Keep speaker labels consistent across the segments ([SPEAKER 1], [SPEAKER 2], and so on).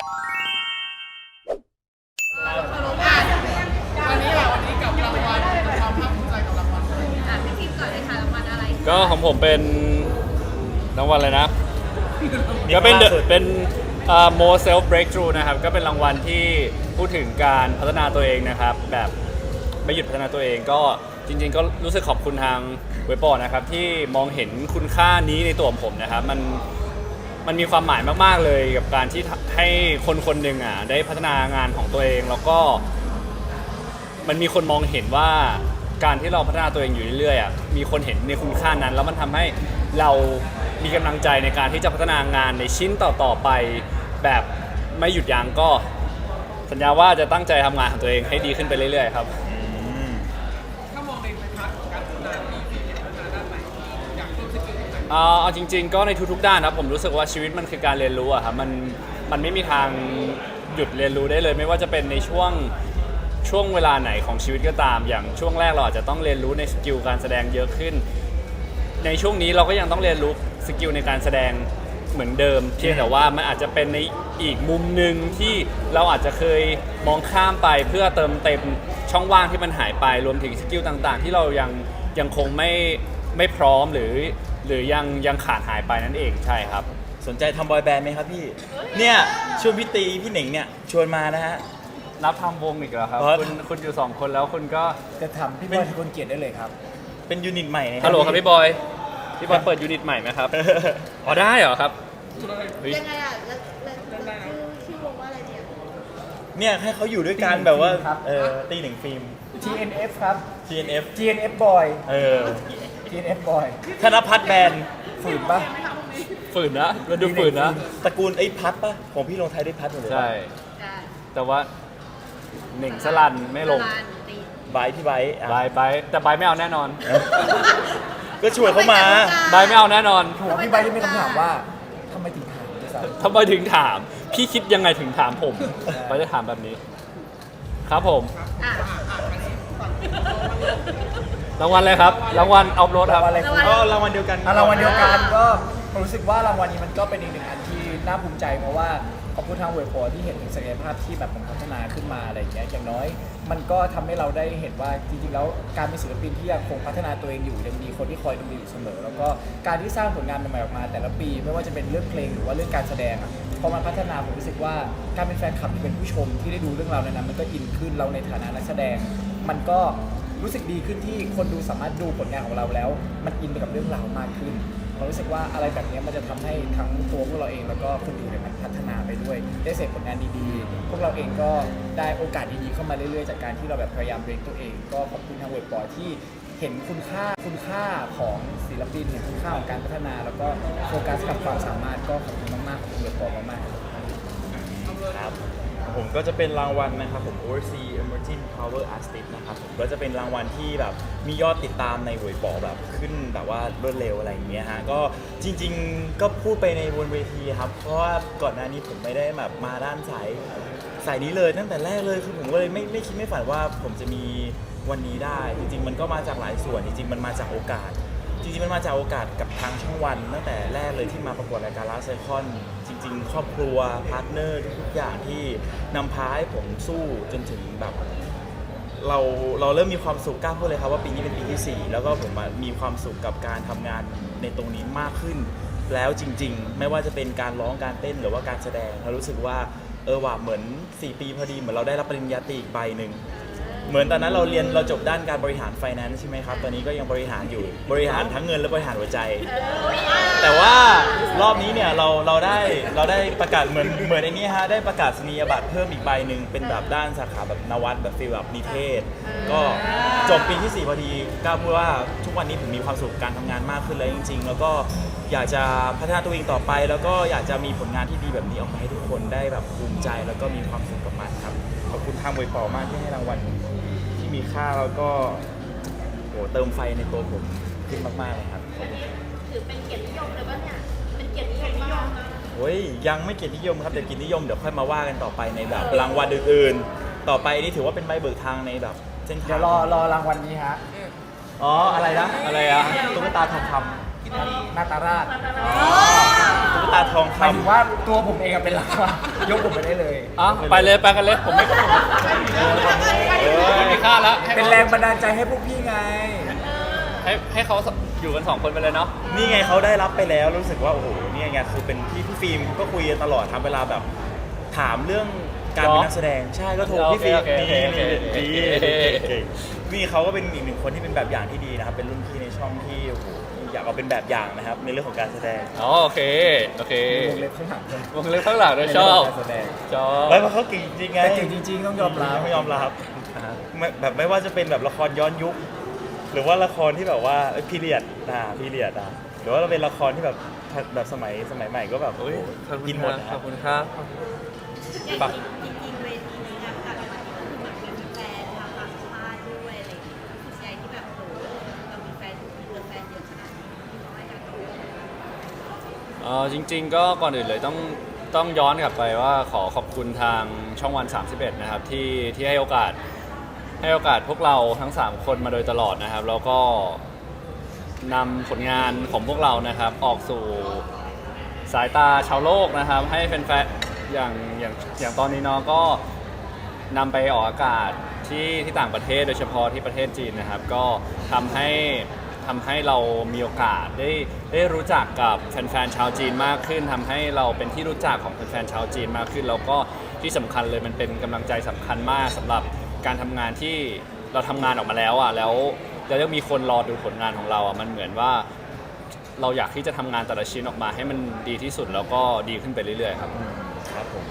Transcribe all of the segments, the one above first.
[SPEAKER 1] วันนี้กับรางวัลความภาคภูมิใจกับรางวัล
[SPEAKER 2] พี่ทิพย์ก่อนเลยค่ะรางวัลอะไร
[SPEAKER 3] ก็ของผมเป็นรางวัลอะไรนะก็เป็นmore self breakthrough นะครับก็เป็นรางวัลที่พูดถึงการพัฒนาตัวเองนะครับแบบไม่หยุดพัฒนาตัวเองก็จริงๆก็รู้สึกขอบคุณทางเว็บปอนะครับที่มองเห็นคุณค่านี้ในตัวผมนะครับมันมีความหมายมากๆเลยกับการที่ให้คนคนหนึ่งได้พัฒนางานของตัวเองแล้วก็มันมีคนมองเห็นว่าการที่เราพัฒนาตัวเองอยู่เรื่อยๆมีคนเห็นในคุณค่านั้นแล้วมันทำให้เรามีกำลังใจในการที่จะพัฒนางานในชิ้นต่อๆไปแบบไม่หยุดยั้งก็สัญญาว่าจะตั้งใจทำงานของตัวเองให้ดีขึ้นไปเรื่อยๆครับ
[SPEAKER 1] ถ้ามองในพาร์ทของการพัฒนาที่พัฒนาด้านไหนอยากเพิ่มสกิลตรงไหน
[SPEAKER 3] เอาจริงๆก็ในทุกๆด้านครับผมรู้สึกว่าชีวิตมันคือการเรียนรู้ครับมันไม่มีทางหยุดเรียนรู้ได้เลยไม่ว่าจะเป็นในช่วงเวลาไหนของชีวิตก็ตามอย่างช่วงแรกเราอาจจะต้องเรียนรู้ในสกิลการแสดงเยอะขึ้นในช่วงนี้เราก็ยังต้องเรียนรู้สกิลในการแสดงเหมือนเดิมเพียงแต่ว่ามันอาจจะเป็นในอีกมุมหนึ่งที่เราอาจจะเคยมองข้ามไปเพื่อเติมเต็มช่องว่างที่มันหายไปรวมถึงสกิลต่างๆที่เรายังคงไม่พร้อมหรือยังขาดหายไปนั่นเองใช่ครับ
[SPEAKER 4] สนใจทำบอยแบนด์ไหมครับพี่เนี่ยชวนพี่ตีพี่เหน่งเนี่ยชวนมานะฮะ
[SPEAKER 3] รับทำวงอีกเหรอครับคุณอยู่2คนแล้วคุณก็
[SPEAKER 5] จะทำพี่บอยที่คนเกียรติได้เลยครับ
[SPEAKER 4] เป็นยูนิตใหม่นะ
[SPEAKER 3] ฮัลโหลครับพี่บอยเปิดยูนิตใหม่ไหมครับอ๋อได้เหรอครับ
[SPEAKER 2] ยังไงแล้วชื่อวงว่าอะไร
[SPEAKER 4] เนี่ยให้เขาอยู่ด้วยกันแบบว่าตีหนึ่งฟิล์ม
[SPEAKER 5] TNF ครับ
[SPEAKER 4] TNF
[SPEAKER 5] Boy TNF Boy
[SPEAKER 4] ธนพัฒน์แบนด์
[SPEAKER 5] ฝืนปะ
[SPEAKER 3] ฝืนนะมันดูฝืนนะ
[SPEAKER 4] ตระกูลไอ้พัดปะของพี่ลงไทยด้วยพัดหมดเลย
[SPEAKER 3] ใช่แต่ว่าหนึ่งสลันไม่ลง
[SPEAKER 4] ไบพี่ไบ
[SPEAKER 3] แต่ไบไม่เอาแน่นอน
[SPEAKER 4] ก็ชวนเขามา
[SPEAKER 3] ไบไม่เอาแน่นอน
[SPEAKER 5] พี่ไบที่มีคำถามว่าทำไมถึงถาม
[SPEAKER 3] พี่คิดยังไงถึงถามผมไบจะถามแบบนี้ครับผมรางวัลอะไรครับรางวัลเอารถครับ
[SPEAKER 4] ก็รางวัลเดียวกัน
[SPEAKER 5] รางวัลเดียวกันก็รู้สึกว่ารางวัลนี้มันก็เป็นอีกหนึ่งอันที่น่าภูมิใจเพราะว่าขอบคุณทางเว็บโปรที่เห็นถึงศักยภาพที่แบบผมพัฒนาขึ้นมาอะไรอย่างเงี้ยอย่างน้อยมันก็ทำให้เราได้เห็นว่าจริงๆแล้วการเป็นศิลปินที่ยังคงพัฒนาตัวเองอยู่ยังมีคนที่คอยดูอยู่เสมอแล้วก็การที่สร้างผลงานใหม่ๆออกมาแต่ละปีไม่ว่าจะเป็นเรื่องเพลงหรือว่าเรื่องการแสดงพอมันพัฒนาผมรู้สึกว่าการเป็นแฟนคลับที่เป็นผู้ชมที่ได้ดูเรื่องราวในนั้นมันก็อินขึ้นเราในฐานะนักแสดงมันก็รู้สึกดีขึ้นที่คนดูสามารถดูผลงานของเราแล้วมันอินไปกับเรื่องราวมากขึ้นเรารู้สึกว่าอะไรแบบนี้มันจะทำให้ทั้งตัวพวกเราเองแล้วก็คนดูเนี่ยมันพัฒนาไปด้วยได้เสพผลงานดีๆพวกเราเองก็ได้โอกาสดีๆเข้ามาเรื่อยๆจากการที่เราแบบพยายามเรียนตัวเองก็ขอบคุณทางเว็บปอที่เห็นคุณค่าของศิลปินเห็นคุณค่าของการพัฒนาแล้วก็โฟกัสกับความสามารถก็ขอบคุณมากๆขอบคุณเว็บปอมาก
[SPEAKER 4] ๆครับผมก็จะเป็นรางวัลนะครับผม Overseas Emerging Power Artist นะครับผมก็จะเป็นรางวัลที่แบบมียอดติดตามในเว็บปอแบบขึ้นแบบว่ารวดเร็วอะไรอย่างเงี้ยฮะก็จริงๆก็พูดไปในบนเวทีครับเพราะว่าก่อนหน้านี้ผมไม่ได้แบบมาด้านสายนี้เลยตั้งแต่แรกเลยคือผมก็เลยไม่คิดไม่ฝันว่าผมจะมีวันนี้ได้จริงๆมันก็มาจากหลายส่วนจริงๆมันมาจากโอกาสกับทางช่องวันตั้งแต่แรกเลยที่มาประกวดรายการ Last Icon จริงๆครอบครัวพาร์ทเนอร์ทุกอย่างที่นำพาให้ผมสู้จนถึงแบบเราเริ่มมีความสุขกล้าพูดเลยครับว่าปีนี้เป็นปีที่4แล้วก็ผมมีความสุขกับการทำงานในตรงนี้มากขึ้นแล้วจริงๆไม่ว่าจะเป็นการร้องการเต้นหรือว่าการแสดงเรารู้สึกว่าว่าเหมือน4ปีพอดีเหมือนเราได้รับปริญญาตรีอีกใบหนึ่งเหมือนตอนนั้นเราจบด้านการบริหารไฟแนนซ์ใช่ไหมครับตอนนี้ก็ยังบริหารอยู่บริหารทั้งเงินและบริหารหัวใจแต่ว่ารอบนี้เนี่ยเราได้ประกาศเหมือนไอ้นี้ฮะได้ประกาศนียบัตรเพิ่มอีกใบหนึ่งเป็นแบบด้านสาขาแบบนวัตแบบฟีลแบบนิเทศก็จบปีที่4พอดีกล้าพูดว่าทุกวันนี้ผมมีความสุขการทำงานมากขึ้นแล้วจริงๆแล้วก็อยากจะพัฒนาตัวเองต่อไปแล้วก็อยากจะมีผลงานที่ดีแบบนี้ออกมาให้ทุกคนได้แบบภูมิใจแล้วก็มีความสุขกับมันครับขอบคุณทางเว็บปอมากที่ให้รางวัลที่มีค่าแล้วก็เติมไฟในตัวผมขึ้นมากๆเลยครับ
[SPEAKER 2] ถือเป็นเกียรตินิยมเลยป่ะเนี่ยเป็นเกียรตินิยมมาก
[SPEAKER 4] โอ้ยยังไม่เกียรตินิยมครับเดี๋ยวเกียรตินิยมเดี๋ยวค่อยมาว่ากันต่อไปในแบบรางวัลอื่นๆต่อไปนี่ถือว่าเป็นใบเบิกทางในแบบเส้นทาง
[SPEAKER 5] เดี๋ยวรอรางวัลนี้ฮะ
[SPEAKER 4] อะไรนะอะไรอะตุ๊กตาทองค
[SPEAKER 5] ำนาตาราช
[SPEAKER 4] ตุ๊กตาทอง
[SPEAKER 5] หมายถึง
[SPEAKER 4] คำ
[SPEAKER 5] ว่าตัวผมเองอะเป็นหลักว่ะยกผมไปได้เลย
[SPEAKER 3] อ่ะไปเลยไปกันเลยผมไม่ไม่มีค่าละให้
[SPEAKER 5] เป็นแรงบันดาลใจให้พวกพี่ไง
[SPEAKER 3] ให้เขาอยู่กัน2 คนไปเลยเนาะ
[SPEAKER 4] นี่ไงเขาได้รับไปแล้วรู้สึกว่าโอ้โหนี่ไงคือเป็นพี่ฟิล์มก็คุยกันตลอดทำเวลาแบบถามเรื่องการเป็นนักแสดงใช่ก็โทรพี่ฟิล์มดีนี่เขาก็เป็นอีกหนึ่งคนที่เป็นแบบอย่างที่ดีนะครับเป็นรุ่นพี่ในช่องที่โอ้โหอยากเอาเป็นแบบอย่างนะครับในเรื่องของการแสดง
[SPEAKER 3] อ๋อโอเคโอเค
[SPEAKER 5] วงเล็บข้างหลังด้วย
[SPEAKER 3] วงเล็บข้างหลังด้วยชอบ
[SPEAKER 5] ในเรื่องของการแสดง
[SPEAKER 3] ชอบ
[SPEAKER 4] ไม่เพราะเขาเก่งจริงไง
[SPEAKER 5] แต่เก่งจริงๆต้องยอมรับ
[SPEAKER 4] ไม่ยอมรับแบบไม่ว่าจะเป็นแบบละครย้อนยุค หรือว่าละครที่แบบว่าพีเรียดพีเรียดหรือว่าเราเป็นละครที่แบบสมัยใหม่ก็แบบ
[SPEAKER 3] โอ้ยขอบคุ
[SPEAKER 4] กิ
[SPEAKER 3] ณ
[SPEAKER 4] น
[SPEAKER 3] ค
[SPEAKER 4] หมด
[SPEAKER 3] รับ
[SPEAKER 4] นะ
[SPEAKER 3] ขอบคุณครับ
[SPEAKER 2] อย่างจริงๆเวทีนี้งานการวันนี้คือแบบมีแฟนทางต่างชาติด้วยอะไรอย่างเงี้ยคือใจที่แบบโอ้เรามีแฟนแฟนเยอะขนาดนี้ว่าอยากรู้
[SPEAKER 3] จริงๆก็ก่อนอื่นเลยต้องย้อนกลับไปว่าขอบคุณทางช่องวัน 31 นะครับที่ให้โอกาสพวกเราทั้ง 3 คนมาโดยตลอดนะครับ แล้วก็นำผลงานของพวกเรานะครับ ออกสู่สายตาชาวโลกนะครับ ให้แฟนๆอย่างตอนนี้เนาะก็นำไปออกอากาศที่ต่างประเทศโดยเฉพาะที่ประเทศจีนนะครับ ก็ทำให้เรามีโอกาสได้รู้จักกับแฟนๆชาวจีนมากขึ้นทำให้เราเป็นที่รู้จักของแฟนๆชาวจีนมากขึ้นแล้วก็ที่สำคัญเลยมันเป็นกำลังใจสำคัญมากสำหรับการทำงานที่เราทำงานออกมาแล้วอ่ะแล้วยังมีคนรอดูผลงานของเราอ่ะมันเหมือนว่าเราอยากที่จะทำงานแต่ละชิ้นออกมาให้มันดีที่สุดแล้วก็ดีขึ้นไปเรื่อยๆครับ
[SPEAKER 4] ครับผม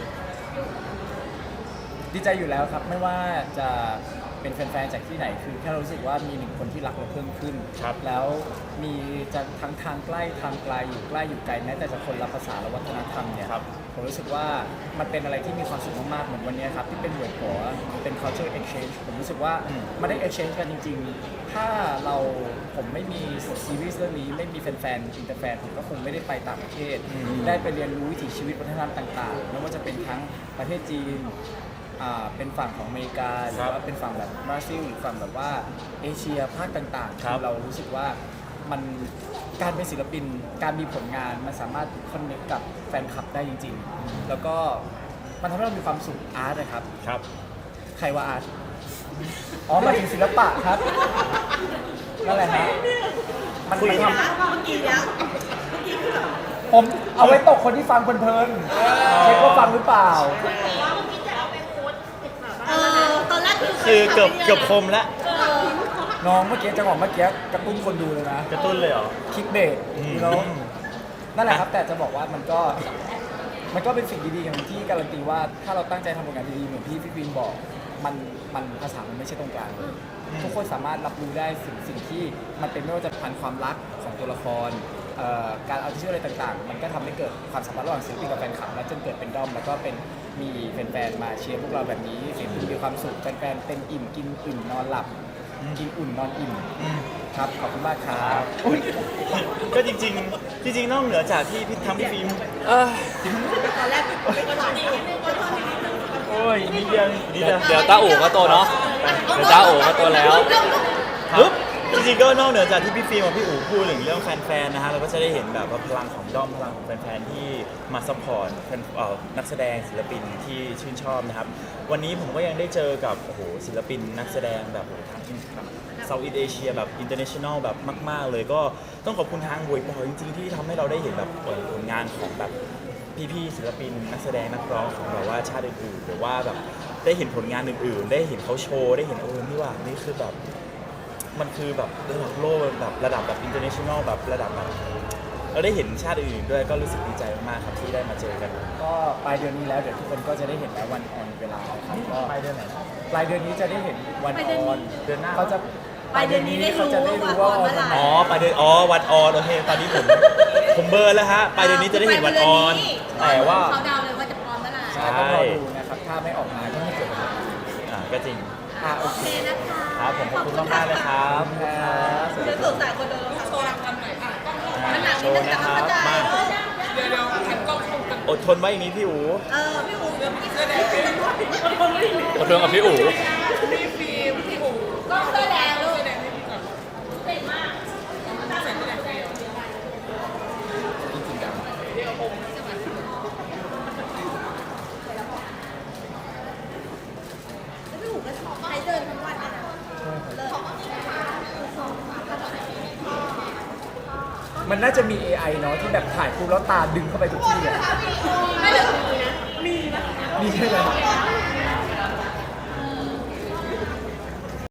[SPEAKER 5] ดีใจอยู่แล้วครับไม่ว่าจะเป็นแฟนๆจากที่ไหนคือแค่รู้สึกว่ามีหนึ่งคนที่รักเราเพิ่มขึ้น
[SPEAKER 4] ครับ
[SPEAKER 5] แล้วมีจะทั้งทางใกล้ทางไกลอยู่ใกล้อยู่ไกลแม้แต่จะคนละภาษาและวัฒนธรรมเนี่ย
[SPEAKER 4] ครับ
[SPEAKER 5] ผมรู้สึกว่ามันเป็นอะไรที่มีความสุขมากๆเหมือนวันนี้ครับที่เป็นเหมือนหัวเป็น culture exchange ผมรู้สึกว่ามันได้ exchange กันจริงๆ ถ้าผมไม่มีซีรีส์เรื่องนี้ไม่มีแฟนๆอินเตอร์แฟนผมก็คงไม่ได้ไปต่างประเทศ ได้ไปเรียนรู้วิถีชีวิตวัฒนธรรมต่างๆไม่ว่าจะเป็นทั้งประเทศจีนเป็นฝั่งของอเมริกาหรือว่าเป็นฝั่งแบบบราซิลหรือฝั่งแบบว่าเอเชียภาคต่างๆ
[SPEAKER 4] ครับ
[SPEAKER 5] เรารู้สึกว่ามันการเป็นศิลปินการมีผลงานมันสามารถคอนเนคกับแฟนคลับได้จริง ๆ แล้วก็มันทำให้เรามีความสุขอาร์ตนะครับ
[SPEAKER 4] ครับ
[SPEAKER 5] ใครว่าอาร์ตอ๋อหมายถึงศิลปะครับนั่นแหละฮะมันทำ
[SPEAKER 2] เมื่อกี้เนี้ย
[SPEAKER 5] ผมเอาไว้ตกคนที่ฟังเพลินๆเช็คว่าฟังหรือเปล่า
[SPEAKER 2] ว่าเมื่อกี้จะเอาไปโพสต์ติดแบบตอนแรก
[SPEAKER 4] คือเกือบคมแล้ว
[SPEAKER 5] น้องเมื่อกี้จังหวะเมื่อกี้กระตุ้นคนดูเลยนะ
[SPEAKER 4] กระตุ้นเลยเหรอ
[SPEAKER 5] คลิกเบรกแล้วนั่นแหละครับแต่จะบอกว่ามันก็เป็นสิ่งดีๆอย่างที่การันตีว่าถ้าเราตั้งใจทำผลงานดีๆเหมือนที่พี่วินบอกมันภาษามันไม่ใช่ตรงกลางทุกคนสามารถรับรู้ได้สิ่งที่มันเป็นไม่ว่าจะพันความรักของตัวละครการเอาชื่ออะไรต่างๆ มันก็ทำให้เกิดความสัมพันธ์ระหว่างศิลปินกับแฟนคลับและจนเกิดเป็นด้อมแล้วก็เป็นมีแฟนๆมาเชียร์พวกเราแบบนี้ศิลปินมีความสุขแฟนๆเต็มอิ่มกินอิ่มนอนหลับกินอุ่นนอนอิ่มครับขอบคุณมากครับ
[SPEAKER 4] ก็จริงๆนอกเหนือจากที่พี่พี่ฟิล์ม
[SPEAKER 2] ตอนแรกเป็นคนดีนิดนึงคนดีนิดนึง
[SPEAKER 4] โอ้ยนิดเดียวนิดเดียว
[SPEAKER 3] เดี๋ยวต้าอู่ก็โตเนาะเดี๋ยวต้าอู่ก็โตแล้ว
[SPEAKER 4] ปึ๊บจริงๆก็นอกเหนือจากที่พี่ฟิล์มกับพี่อู๋พูดถึงเรื่องแฟนๆนะฮะเราก็จะได้เห็นแบบว่าพลังของด้อมพลังของแฟนๆที่มาซัพพอร์ตนักแสดงศิลปินที่ชื่นชอบนะครับวันนี้ผมก็ยังได้เจอกับโอ้โหศิลปินนักแสดงแบบโอ้โหทั้งเซาท์อีสเอเชียแบบอินเตอร์เนชั่นแนลแบบมากๆเลยก็ต้องขอบคุณทางเวยปอจริงๆที่ทำให้เราได้เห็นแบบผลงานของแบบพี่ๆศิลปินนักแสดงนักร้องของแบบว่าชาติอื่นๆหรือว่าแบบได้เห็นผลงานอื่นๆ ได้เห็นเขาโชว์ได้เห็นนี่ว่านี่คือแบบมันคือแบบระดับโลกแบบระดับแบบอินเตอร์เนชั่นแนลแบบระดับแบบเราได้เห็นชาติอื่นๆด้วยก็รู้สึกดีใจมากๆครับที่ได้มาเจอกัน
[SPEAKER 5] ก็ปลายเดือนนี้แล้วเดี๋ยวทุกคนก็จะได้เห็นแล้ววันออนเวลานะครับก็ปลายเดือนไหนปลายเดือนนี้จะได้เห็นวันออนเดือนหน้าเขาจะ
[SPEAKER 2] ปลายเดือนนี้ได้รู้
[SPEAKER 5] เขาจะได้รู้ว่าออนวันไหน
[SPEAKER 4] อ๋อปลายเดือนวันออนโอเคตอนนี้ผมเบอร์แล้วฮะปลายเดือนนี้จะได้เห็นวันออนแต่ว่า
[SPEAKER 2] เขาดาวเลยว่าจะพร้อมเมื่อไหร่
[SPEAKER 5] ใช่ต้องรอดูนะครับถ้าไม่ออกมาก็ไม่เกิดอะไร
[SPEAKER 4] ก็จริง
[SPEAKER 5] โอเค
[SPEAKER 2] นะคะ
[SPEAKER 4] ครับผมขอบคุณมากๆเลยครับ
[SPEAKER 5] ครับ
[SPEAKER 2] เดี๋ยวสดใสกว่าเดิมโชว์รางวัลหน่อยค่ะมันหนัก
[SPEAKER 4] โช
[SPEAKER 2] นิดนึ
[SPEAKER 4] ว์
[SPEAKER 2] งแต่
[SPEAKER 4] นะค
[SPEAKER 2] ว่า
[SPEAKER 4] รับ
[SPEAKER 2] เข้าใจ
[SPEAKER 4] มา
[SPEAKER 1] เดี๋ยวแคปกล้องชมกัน
[SPEAKER 4] อดทนไว้อย่างนี้พี่อู๋
[SPEAKER 2] พี่อู๋เดี๋ยวพี่
[SPEAKER 1] เสื้อแดงฟิล์ม
[SPEAKER 3] ขอโทษกับพี่อู๋
[SPEAKER 1] พี่ฟิล์มพี่อู๋
[SPEAKER 2] ก็เสื้อแดงลูก
[SPEAKER 1] เสื้อแดงให้พี่ก่อน
[SPEAKER 2] เก่งมาก
[SPEAKER 1] ใส่เสื้อแดงฟิล์ม
[SPEAKER 5] จริงๆจังมันน่าจะมี AI เนาะที่แบบถ่ายปุ๊บแล้วตาดึงเข้าไปทุกที่อะ
[SPEAKER 2] ไม่เลยมีนะ
[SPEAKER 5] มีใช่ไหม